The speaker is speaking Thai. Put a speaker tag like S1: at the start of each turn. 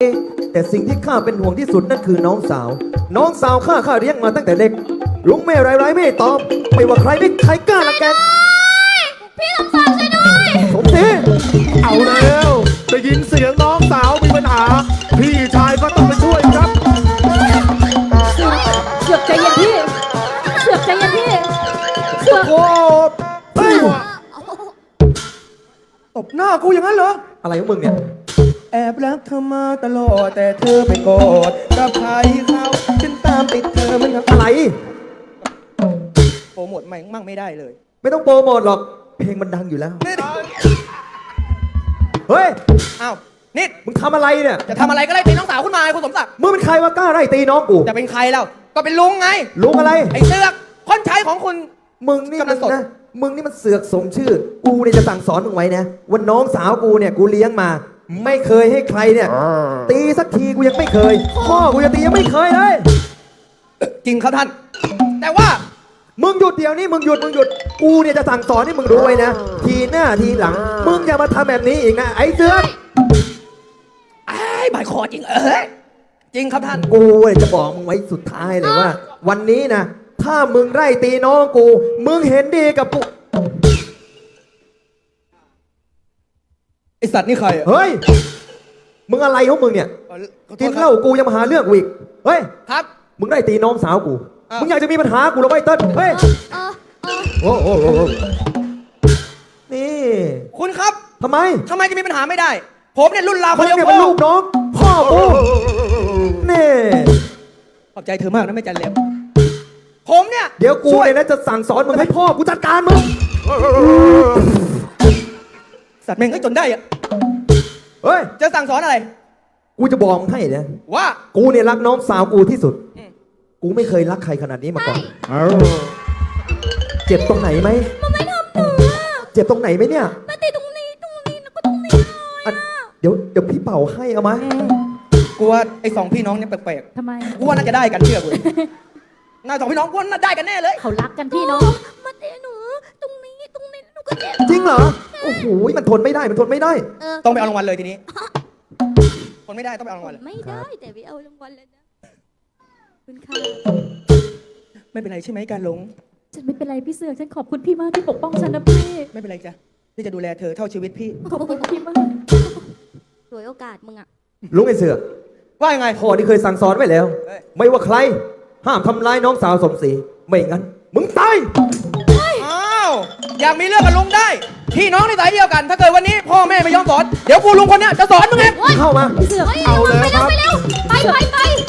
S1: แต่สิ่งที่ข้าเป็นห่วงที่สุดนั่นคือน้องสาว น้องสาวข้าเลี้ยงมาตั้งแต่เด็กลุงแม่ร้ายไม่ตอบไม่ว่าใครไม่ใครกล้าละแก
S2: พี่สมศักดิ์ช่วยด้วย
S1: สมศรี
S3: เอาแล้วได้ยินเสียงน้องสาวมีปัญหาพี่ชายก็ต้องไปช่วยครับ
S2: เสือกใจเย็นพี่เสือกใจเย็นพี่เสือก
S1: โอ้เฮ้ย
S4: ตบหน้ากูอย่างนั้นเหรอ
S1: อะไรของมึงเนี่ย
S4: แอบรักเธอมาตลอดแต่เธอไปโกรธกับใครเขาฉันตามติดเธอมันครับ
S1: อะไร
S4: โปรโมทใหม่มั่งไม่ได้เลย
S1: ไม่ต้องโปรโมทหรอกเพลงมันดังอยู่แล้ว
S4: นี่
S1: เฮ้ย
S4: อ้าวนิด
S1: มึงทำอะไรเนี่ย
S4: จะทำอะไรก็ไล่ตีน้องสาวขึ้นมาไอ้คุณสมศักดิ์
S1: มึงเป็นใครวะกล้าไล่ตีน้องกู
S4: จะเป็นใครแล้วก็เป็นลุงไง
S1: ลุงอะไร
S4: ไอ้เสือกคนใช้ของคุณ
S1: มึงนี่
S4: กำลั
S1: มัน
S4: งสด
S1: นะมึงนี่มันเสือกสมชื่อ กูเนี่ยจะสั่งสอนมึงไว้นะว่าน้องสาวกูเนี่ยกูเลี้ยงมา ไม่เคยให้ใครเนี่ย ตีสักทีกูยังไม่เคย พ่อกูจะตียังไม่เคยเลย
S4: จริงครับท่าน แต่ว่า
S1: มึงหยุดเดี๋ยวนี้มึงหยุดกูเนี่ยจะสั่งสอนให้มึงรู้ไว้นะ ทีหน้าทีหลัง มึงอย่ามาทำแบบนี้อีกนะไอ้เสือก
S4: ไอ้บายคอจริงจริงครับท่าน
S1: กูเนี่ยจะบอกมึงไว้สุดท้ายเลยว่า วันนี้นะถ้ามึงไล่ตีน้องกู มึงเห็นดีกับกู
S4: ไอสัตว์นี่ใครอ่ะ
S1: เฮ้ย มึงอะไรของมึงเนี่ย กินเหล้ากูยังมาหาเรื่องกูอีก เฮ้ย
S4: ครับ
S1: มึงได้ตีน้องสาวกู
S4: อ้าว
S1: มึงอยากจะมีปัญหากูเหรอไอ้เติ้ลเฮ้ย โอ้โหนี่
S4: คุณครับ
S1: ทำไม
S4: ทำไมจะมีปัญหาไม่ได้ ผมเนี่ยรุ่นราว
S1: มึ
S4: เขา
S1: ง
S4: เรียก
S1: เนี่ย
S4: พ่
S1: เป็น
S4: อ
S1: ลูกน้อง พ่อกูนี่
S4: ขอบใจเธอมากนะแม่จันเล็บผมเนี่ย
S1: เดี๋ยวกู
S4: ช่วย
S1: เนี่ยนะจะสั่งสอนมึงให้พ่อกูจัดการมึง
S4: สัตว์แม่งก็จนได้อะ
S1: เฮ้ย
S4: จะสั่งสอนอะไร
S1: กูจะบอกมึงให้นะ
S4: ว่า
S1: กูเนี่ยรักน้องสาวกูที่สุด
S4: อืม
S1: กูไม่เคยรักใครขนาดนี้มาก่อน เจ็บตรงไหนไหม
S2: มันไม่ทำหนูอะ
S1: เจ็บตรงไหนไหมเนี่ย
S2: มาตีตรงนี้แล้วก็ตรงนี้เลย
S1: อ่ะเดี๋ยวพี่เป่าให้เอามา
S4: กูว่าไอ้สองพี่น้องเนี่ยแปลก
S2: ทำไม
S4: ๆกูว่าน่าจะได้กันเชื่อกูน่าสองพี่น้องกูว่าน่าได้กันแน่เลย
S2: เขารักกันพี่น้องมาตีหนูตรงนี้หนูก็เจ็บ
S1: จริงเหรอ โอ้โห มันทนไม่ได้ มันทนไม่ได้
S4: ต้องไปเอารางวัลเลยทีนี้ คนไม่ได้ต้องไปเอารางวัลเลย
S2: ไม่ได้แต่พี่เอารางวัลเลยนะคุณค่ะ
S4: ไม่เป็นไรใช่ไหมการหลง
S2: ฉันไม่เป็นไรพี่เสือกฉันขอบคุณพี่มากที่ปกป้องฉันนะพี่
S4: ไม่เป็นไรจ้ะที่จะดูแลเธอเท่าชีวิตพี่
S2: ขอบคุณพี่มากสวยโอกาสมึงอะ
S1: ลุงไอ้เสือก
S4: ว่ายังไง
S1: พ่อที่เคยสั่งสอนไว้แล้ว
S4: เฮ้ย
S1: ไม่ว่าใคร ห้ามทำร้ายน้องสาวสมศรี ไม่งั้น มึงตาย
S4: อ้าวอยากมีเรื่องกับลุงได้ พี่น้องในสายเดียวกัน ถ้าเกิดวันนี้พ่อแม่ไม่ยอมสอน เดี๋ยวกูลุงคนเนี้ยจะสอนมึงเอง
S1: เข้ามา
S2: พี่เสือก
S3: เอาเลยครับ
S2: ไปไป